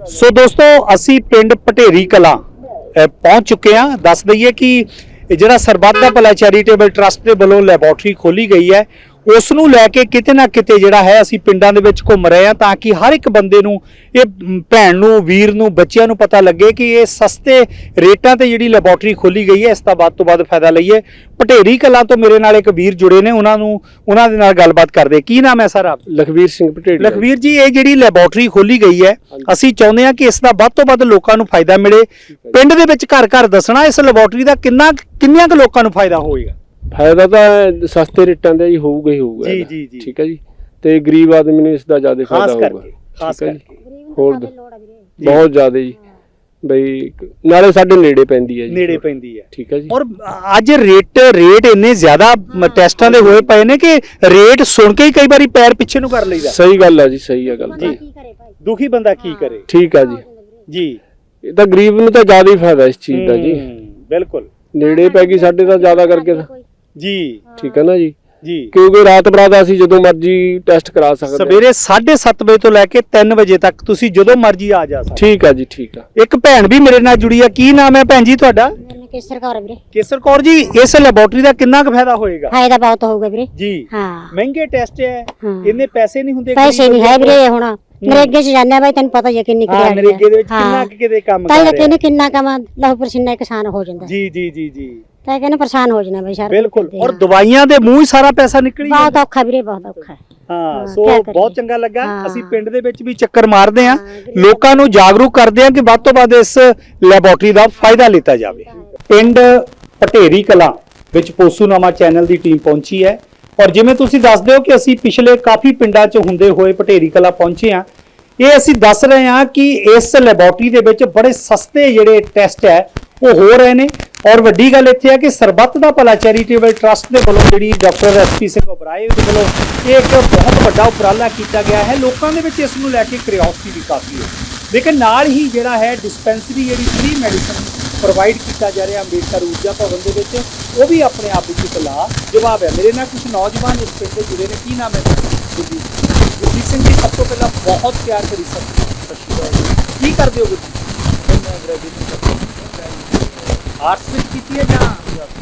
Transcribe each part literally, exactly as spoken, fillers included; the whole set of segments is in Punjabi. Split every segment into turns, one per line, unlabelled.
सो दोस्तों असी पिंड भटेरी कलां पहुंच चुके हैं। दस दईए कि जिहड़ा सरबत दा भला चैरिटेबल ट्रस्ट के वालों लैबोरेटरी खोली गई है उस नूं लैके किते ना किते जिहड़ा है असी पिंडां दे विच घुम रहे हैं ताकि हर एक बंदे नूं ये भैन नूं वीर नूं बच्चिआं नूं पता लगे कि ये सस्ते रेटां ते जिहड़ी लैबोरेटरी खोली गई है इसका वध तों वध फायदा लईए। भटेरी कलां तो मेरे नाल एक वीर जुड़े ने, उन्हां नूं उन्हां दे नाल गलबात करदे। की नाम है सर आप?
लखवीर सिंह भटेरी।
लखवीर जी, ये जिहड़ी लैबोरेटरी खोली गई है असी चाहुंदे हां कि इसका वध तों वध लोकां नूं फायदा मिले। पिंड दे विच घर घर दसना इस लैबोरेटरी दा किन्ना किन्नियां क लोकां नूं फायदा होएगा।
फायदा तो सस्ते रेटां दा ही होਊਗਾ ही होਊਗਾ
जी जी जी
ठीक है जी। ते गरीब आदमी ਨੂੰ ਇਸ ਦਾ ਜ਼ਿਆਦਾ ਫਾਇਦਾ ਹੋਊਗਾ
ਖਾਸ ਕਰਕੇ
ਹੋਰ ਬਹੁਤ ਜ਼ਿਆਦਾ ਜੀ ਬਈ ਨਾਲੇ ਸਾਡੇ ਨੇੜੇ ਪੈਂਦੀ ਹੈ ਜੀ
ਨੇੜੇ ਪੈਂਦੀ ਹੈ
ਠੀਕ ਹੈ ਜੀ।
ਔਰ ਅੱਜ ਰੇਟ ਰੇਟ ਇੰਨੇ ਜ਼ਿਆਦਾ ਟੈਸਟਾਂ ਦੇ ਹੋਏ ਪਏ ਨੇ ਕਿ ਰੇਟ ਸੁਣ ਕੇ ਹੀ ਕਈ ਵਾਰੀ ਪੈਰ ਪਿੱਛੇ ਨੂੰ ਕਰ ਲਈਦਾ।
ਸਹੀ ਗੱਲ ਹੈ ਜੀ, ਸਹੀ ਹੈ ਗੱਲ ਜੀ।
ਦੁਖੀ ਬੰਦਾ ਕੀ ਕਰੇ।
ਠੀਕ ਹੈ ਜੀ
ਜੀ।
ਇਹ ਤਾਂ ਗਰੀਬ ਨੂੰ ਤਾਂ ਜ਼ਿਆਦਾ ਹੀ ਫਾਇਦਾ ਇਸ ਚੀਜ਼ ਦਾ ਜੀ।
ਬਿਲਕੁਲ
ਨੇੜੇ ਪੈ ਗਈ ਸਾਡੇ ਤਾਂ ਜ਼ਿਆਦਾ ਕਰਕੇ
ਜੀ
ਠੀਕ ਹੈ ਨਾ ਜੀ
ਜੀ।
ਕਿਉਂਕਿ ਰਾਤ ਬਰਾਤ ਅਸੀਂ ਜਦੋਂ ਮਰਜ਼ੀ ਟੈਸਟ ਕਰਾ ਸਕਦੇ
ਸਵੇਰੇ ਸਾਢੇ ਸੱਤ ਵਜੇ ਤੋਂ ਲੈ ਕੇ ਤਿੰਨ ਵਜੇ ਤੱਕ ਤੁਸੀਂ ਜਦੋਂ ਮਰਜ਼ੀ ਆ ਜਾ ਸਕਦੇ।
ਠੀਕ ਆ ਜੀ ਠੀਕ ਆ।
ਇੱਕ ਭੈਣ ਵੀ ਮੇਰੇ ਨਾਲ ਜੁੜੀ ਆ, ਕੀ ਨਾਮ ਹੈ ਭੈਣ ਜੀ ਤੁਹਾਡਾ?
ਕੇਸਰ ਕੌਰ ਵੀਰੇ।
ਕੇਸਰ ਕੌਰ ਜੀ, ਇਸ ਲੈਬੋਰੇਟਰੀ ਦਾ ਕਿੰਨਾ ਕੁ ਫਾਇਦਾ ਹੋਏਗਾ?
ਫਾਇਦਾ ਬਹੁਤ ਹੋਊਗਾ ਵੀਰੇ
ਜੀ
ਹਾਂ।
ਮਹਿੰਗੇ ਟੈਸਟ ਹੈ,
ਹਾਂ।
ਇੰਨੇ ਪੈਸੇ ਨਹੀਂ ਹੁੰਦੇ।
ਪੈਸੇ ਨਹੀਂ ਹੈ ਵੀਰੇ, ਹੁਣ ਨਰੇਗੇ ਚ ਜਾਂਦੇ ਬਾਈ ਤੈਨੂੰ ਪਤਾ ਹੀ ਹੈ ਕਿੰਨੀ
ਹਾਂ ਨਰੇਗੇ ਦੇ ਵਿੱਚ ਕਿੰਨਾ ਕਿਤੇ ਕੰਮ
ਕਰ ਰਿਹਾ ਤਾਂ ਕਿੰਨੇ ਕਿੰਨਾ ਕੰਮ ਲਹੂ ਪਸੀਨਾ ਕਿਸਾਨ ਹੋ ਜਾਂਦਾ।
ਜੀ ਜੀ ਜੀ ਜੀ
ਤਾਂ ਕਹਿੰਦੇ ਪਰੇਸ਼ਾਨ ਹੋ ਜਾਣਾ ਬਈ ਸਾਰਾ
ਬਿਲਕੁਲ। ਔਰ ਦਵਾਈਆਂ ਦੇ ਮੂੰਹ ਹੀ ਸਾਰਾ ਪੈਸਾ ਨਿਕਲ ਜਾਂਦਾ।
ਬਹੁਤ ਔਖਾ ਵੀਰੇ, ਬਹੁਤ ਔਖਾ।
ਹਾਂ ਸੋ ਬਹੁਤ ਚੰਗਾ ਲੱਗਾ। ਅਸੀਂ ਪਿੰਡ ਦੇ ਵਿੱਚ ਵੀ ਚੱਕਰ ਮਾਰਦੇ ਆਂ, ਲੋਕਾਂ ਨੂੰ ਜਾਗਰੂਕ ਕਰਦੇ ਆਂ ਕਿ ਵੱਧ ਤੋਂ ਵੱਧ ਇਸ ਲੈਬੋਰੇਟਰੀ ਦਾ ਫਾਇਦਾ ਲਿੱਤਾ ਜਾਵੇ। ਪਿੰਡ ਭਟੇਰੀ ਕਲਾਂ ਵਿੱਚ ਪੋਸੂਨਾਮਾ ਚੈਨਲ ਦੀ ਟੀਮ ਪਹੁੰਚੀ ਹੈ ਔਰ ਜਿਵੇਂ ਤੁਸੀਂ ਦੱਸਦੇ ਹੋ ਕਿ ਅਸੀਂ ਪਿਛਲੇ ਕਾਫੀ ਪਿੰਡਾਂ 'ਚ ਹੁੰਦੇ ਹੋਏ ਭਟੇਰੀ ਕਲਾਂ ਪਹੁੰਚੇ ਆਂ। ਇਹ ਅਸੀਂ ਦੱਸ ਰਹੇ ਹਾਂ ਕਿ ਇਸ ਲੈਬੋਰੇਟਰੀ ਦੇ ਵਿੱਚ ਬੜੇ ਸਸਤੇ ਜਿਹੜੇ ਟੈਸਟ ਹੈ ਉਹ ਹੋ ਰਹੇ ਨੇ ਔਰ ਵੱਡੀ ਗੱਲ ਇੱਥੇ ਹੈ ਕਿ ਸਰਬੱਤ ਦਾ ਭਲਾ ਚੈਰੀਟੇਬਲ ਟਰਸਟ ਦੇ ਵੱਲੋਂ ਜਿਹੜੀ doctor S P Singh Oberoi ਦੇ ਵੱਲੋਂ ਇਹ ਇੱਕ ਬਹੁਤ ਵੱਡਾ ਉਪਰਾਲਾ ਕੀਤਾ ਗਿਆ ਹੈ। ਲੋਕਾਂ ਦੇ ਵਿੱਚ ਇਸ ਨੂੰ ਲੈ ਕੇ ਕਿਉਰਿਓਸਿਟੀ ਵੀ ਕਾਫੀ ਹੈ, ਲੇਕਿਨ ਨਾਲ ਹੀ ਜਿਹੜਾ ਹੈ ਡਿਸਪੈਂਸਰੀ ਜਿਹੜੀ ਫ੍ਰੀ ਮੈਡੀਸਨ ਪ੍ਰੋਵਾਈਡ ਕੀਤਾ ਜਾ ਰਿਹਾ ਅੰਬੇਡਕਰ ਊਰਜਾ ਭਵਨ ਦੇ ਵਿੱਚ, ਉਹ ਵੀ ਆਪਣੇ ਆਪ ਵਿੱਚ ਇੱਕ ਲਾ ਜਵਾਬ ਹੈ। ਮੇਰੇ ਨਾਲ ਕੁਝ ਨੌਜਵਾਨ ਇਸ ਪਿੰਡ ਦੇ ਜੁੜੇ ਨੇ। ਕੀ ਨਾਮ ਹੈ? ਗੁਰਜੀਤ ਸਿੰਘ ਜੀ, ਸਭ ਤੋਂ ਪਹਿਲਾਂ ਬਹੁਤ ਪਿਆਰ ਕਰੀ ਸਤਿ ਸ਼੍ਰੀ ਅਕਾਲ। ਕੀ ਕਰਦੇ ਹੋ ਗੁਰਜੀਤ? ਆਰਟਸ ਵਿੱਚ ਕੀਤੀ ਹੈ ਜਾਂ?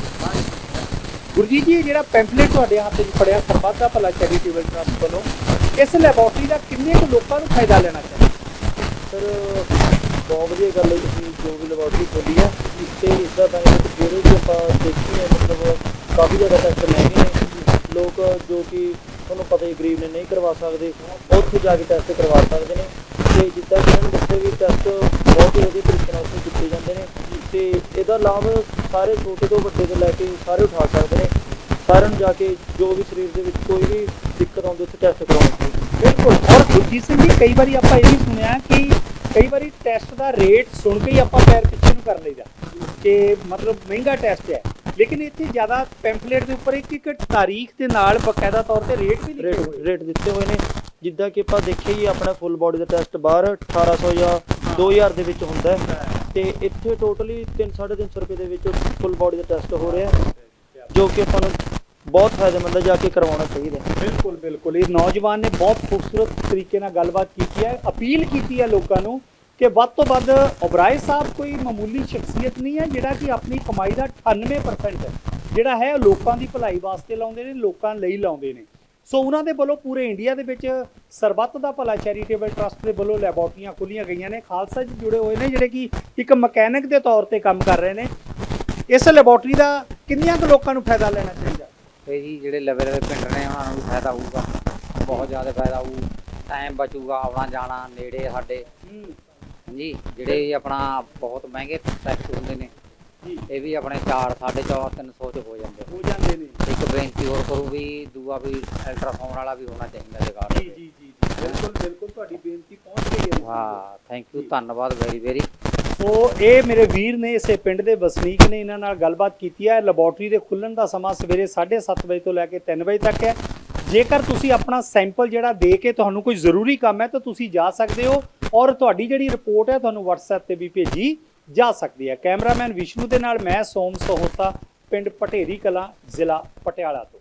ਗੁਰਜੀਤ ਜੀ, ਜਿਹੜਾ ਪੈਂਫਲੇਟ ਤੁਹਾਡੇ ਹੱਥ ਵਿੱਚ ਫੜਿਆ ਸਰਬੱਤ ਦਾ ਭਲਾ ਚੈਰੀਟੇਬਲ ਟਰਸਟ ਵੱਲੋਂ, ਇਸ ਲੈਬੋਰੇਟਰੀ ਦਾ ਕਿੰਨੇ ਕੁ ਲੋਕਾਂ ਨੂੰ ਫਾਇਦਾ ਲੈਣਾ ਚਾਹੀਦਾ?
ਸਰ ਬਹੁਤ ਵਧੀਆ ਗੱਲ ਹੈ ਤੁਸੀਂ ਜੋ ਵੀ ਲੈਬੋਰੇਟਰੀ ਖੋਲੀ ਹੈ ਤੇ ਇਸ ਦਾ ਬੈਨੀਫਿਟ ਜਿਹੜੇ ਵੀ ਆਪਾਂ ਦੇਖੀਏ ਮਤਲਬ ਕਾਫੀ ਜ਼ਿਆਦਾ ਟੈਸਟ ਮਹਿੰਗੇ ਨੇ। ਲੋਕ ਜੋ ਕਿ ਤੁਹਾਨੂੰ ਪਤਾ ਹੀ ਗਰੀਬ ਨੇ ਨਹੀਂ ਕਰਵਾ ਸਕਦੇ, ਉੱਥੇ ਜਾ ਕੇ ਟੈਸਟ ਕਰਵਾ ਸਕਦੇ ਨੇ ਤੇ ਜਿੱਦਾਂ ਕਿ ਇਹਨਾਂ ਨੂੰ ਦੱਸਿਆ ਵੀ ਟੈਸਟ ਬਹੁਤ ਹੀ ਵਧੀਆ ਤਰੀਕੇ ਨਾਲ ਉੱਥੇ ਕੀਤੇ ਜਾਂਦੇ ਨੇ ਤੇ ਇਹਦਾ ਲਾਭ ਸਾਰੇ ਛੋਟੇ ਤੋਂ ਵੱਡੇ ਤੋਂ ਲੈ ਕੇ ਸਾਰੇ ਉਠਾ ਸਕਦੇ ਨੇ। ਸਾਰਿਆਂ ਨੂੰ ਜਾ ਕੇ ਜੋ ਵੀ ਸਰੀਰ ਦੇ ਵਿੱਚ ਕੋਈ ਵੀ ਦਿੱਕਤ ਆਉਂਦੀ ਉੱਥੇ ਟੈਸਟ ਕਰਵਾਉਣਾ ਚਾਹੀਦਾ।
ਬਿਲਕੁਲ। ਔਰ ਗੁਰਜੀਤ ਸਿੰਘ ਜੀ, ਕਈ ਵਾਰੀ ਆਪਾਂ ਇਹ ਵੀ ਸੁਣਿਆ ਕਿ ਕਈ ਵਾਰੀ ਟੈਸਟ ਦਾ ਰੇਟ ਸੁਣ ਕੇ ਹੀ ਆਪਾਂ ਪੈਰ ਪਿੱਛੇ ਨੂੰ ਕਰ ਲਈਦਾ ਕਿ ਮਤਲਬ ਮਹਿੰਗਾ ਟੈਸਟ ਹੈ, ਲੇਕਿਨ ਇੱਥੇ ਜ਼ਿਆਦਾ ਪੈਂਫਲੇਟ ਦੇ ਉੱਪਰ ਇੱਕ ਇੱਕ ਤਾਰੀਖ ਦੇ ਨਾਲ ਬਕਾਇਦਾ ਤੌਰ ਤੇ ਰੇਟ ਵੀ ਲਿਖੇ ਹੋਏ
ਰੇਟ ਦਿੱਤੇ ਹੋਏ ਨੇ। ਜਿੱਦਾਂ ਕਿ ਆਪਾਂ ਦੇਖਿਆ ਹੀ ਆਪਣਾ ਫੁੱਲ ਬੋਡੀ ਦਾ ਟੈਸਟ ਬਾਹਰ ਅਠਾਰਾਂ ਸੌ ਜਾਂ ਦੋ ਹਜ਼ਾਰ ਦੇ ਵਿੱਚ ਹੁੰਦਾ ਤੇ ਇੱਥੇ ਟੋਟਲੀ ਤਿੰਨ ਸਾਢੇ ਤਿੰਨ ਸੌ ਰੁਪਏ ਦੇ ਵਿੱਚ ਫੁੱਲ ਬੋਡੀ ਦਾ ਟੈਸਟ ਹੋ ਰਿਹਾ, ਜੋ ਕਿ ਆਪਾਂ ਨੂੰ ਬਹੁਤ ਫਾਇਦੇਮੰਦ ਹੈ, ਜਾ ਕੇ ਕਰਵਾਉਣਾ ਚਾਹੀਦਾ।
ਬਿਲਕੁਲ ਬਿਲकुल। ਇਹ ਨੌਜਵਾਨ ਨੇ ਬਹੁਤ ਖੂਬਸੂਰਤ ਤਰੀਕੇ ਨਾਲ ਗੱਲਬਾਤ ਕੀਤੀ ਹੈ, ਅਪੀਲ ਕੀਤੀ ਹੈ ਲੋਕਾਂ ਨੂੰ ਕਿ ਵੱਧ ਤੋਂ ਵੱਧ। ਉਬਰਾਏ ਸਾਹਿਬ ਕੋਈ ਮਾਮੂਲੀ ਸ਼ਖਸੀਅਤ ਨਹੀਂ ਹੈ ਜਿਹੜਾ ਕਿ ਆਪਣੀ ਕਮਾਈ ਦਾ ਅਠਾਨਵੇਂ ਪਰਸੈਂਟ ਜਿਹੜਾ ਹੈ ਲੋਕਾਂ ਦੀ ਭਲਾਈ ਵਾਸਤੇ ਲਾਉਂਦੇ ਨੇ, ਲੋਕਾਂ ਲਈ ਲਾਉਂਦੇ ਨੇ। ਸੋ ਉਹਨਾਂ ਦੇ ਵੱਲੋਂ ਪੂਰੇ ਇੰਡੀਆ ਦੇ ਵਿੱਚ ਸਰਬੱਤ ਦਾ ਭਲਾ ਚੈਰੀਟੇਬਲ ਟਰਸਟ ਦੇ ਵੱਲੋਂ ਲੈਬੋਰੇਟਰੀਆਂ ਖੋਲੀਆਂ ਗਈਆਂ ਨੇ। ਖਾਲਸਾ ਜੀ ਜੁੜੇ ਹੋਏ ਨੇ ਜਿਹੜੇ ਕਿ ਇੱਕ ਮਕੈਨਿਕ ਦੇ ਤੌਰ ਤੇ ਕੰਮ ਕਰ ਰਹੇ ਨੇ। ਇਸ ਲੈਬੋਰੇਟਰੀ ਦਾ ਕਿੰਨੀਆਂ ਕੁ ਲੋਕਾਂ ਨੂੰ ਫਾਇਦਾ ਲੈਣਾ ਚਾਹੀਦਾ?
ਇਹ ਜੀ ਜਿਹੜੇ ਲਵੇ ਲਵੇ ਪਿੰਡ ਨੇ ਉਹਨਾਂ ਨੂੰ ਵੀ ਫਾਇਦਾ ਹੋਊਗਾ, ਬਹੁਤ ਜ਼ਿਆਦਾ ਫਾਇਦਾ ਹੋਊ। ਟਾਈਮ ਬਚੂਗਾ ਆਉਣਾ ਜਾਣਾ ਨੇੜੇ ਸਾਡੇ ਜੀ। ਜਿਹੜੇ ਆਪਣਾ ਬਹੁਤ ਮਹਿੰਗੇ ਟੈਸਟ ਹੁੰਦੇ ਨੇ ਇਹ ਵੀ ਆਪਣੇ ਚਾਰ ਸਾਢੇ ਚਾਰ ਤਿੰਨ ਸੌ 'ਚ ਹੋ ਜਾਂਦੇ
ਹੋ ਜਾਂਦੇ ਨੇ।
ਇੱਕ ਬੇਨਤੀ ਹੋਰ ਕਰੂ ਵੀ ਦੂਆ ਵੀ ਅਲਟਰਾਸਾਊਂਡ ਵਾਲਾ ਵੀ ਹੋਣਾ ਚਾਹੀਦਾ ਜਗਾੜ।
ਜੀ ਜੀ ਜੀ ਬਿਲਕੁਲ ਬਿਲਕੁਲ, ਤੁਹਾਡੀ ਬੇਨਤੀ ਪਹੁੰਚ ਗਈ ਹੈ।
ਹਾਂ ਥੈਂਕ ਯੂ, ਧੰਨਵਾਦ ਵੈਰੀ ਵੈਰੀ।
ਸੋ ਇਹ ਮੇਰੇ ਵੀਰ ਨੇ, ਇਸੇ ਪਿੰਡ ਦੇ ਵਸਨੀਕ ਨੇ, ਇਹਨਾਂ ਨਾਲ ਗੱਲਬਾਤ ਕੀਤੀ ਹੈ। ਲੈਬੋਰੇਟਰੀ ਦੇ ਖੁੱਲ੍ਹਣ ਦਾ ਸਮਾਂ ਸਵੇਰੇ ਸਾਢੇ ਸੱਤ ਵਜੇ ਤੋਂ ਲੈ ਕੇ ਤਿੰਨ ਵਜੇ ਤੱਕ ਹੈ। ਜੇਕਰ ਤੁਸੀਂ ਆਪਣਾ ਸੈਂਪਲ ਜਿਹੜਾ ਦੇ ਕੇ ਤੁਹਾਨੂੰ ਕੋਈ ਜ਼ਰੂਰੀ ਕੰਮ ਹੈ ਤਾਂ ਤੁਸੀਂ ਜਾ ਸਕਦੇ ਹੋ ਔਰ ਤੁਹਾਡੀ ਜਿਹੜੀ ਰਿਪੋਰਟ ਹੈ ਤੁਹਾਨੂੰ ਵਟਸਐਪ ਤੇ ਵੀ ਭੇਜੀ ਜਾ ਸਕਦੀ ਹੈ। ਕੈਮਰਾਮੈਨ ਵਿਸ਼ਨੂੰ ਦੇ ਨਾਲ ਮੈਂ ਸੋਮ ਸਹੋਤਾ, ਪਿੰਡ ਭਟੇਰੀ ਕਲਾਂ, ਜ਼ਿਲ੍ਹਾ ਪਟਿਆਲਾ ਤੋਂ।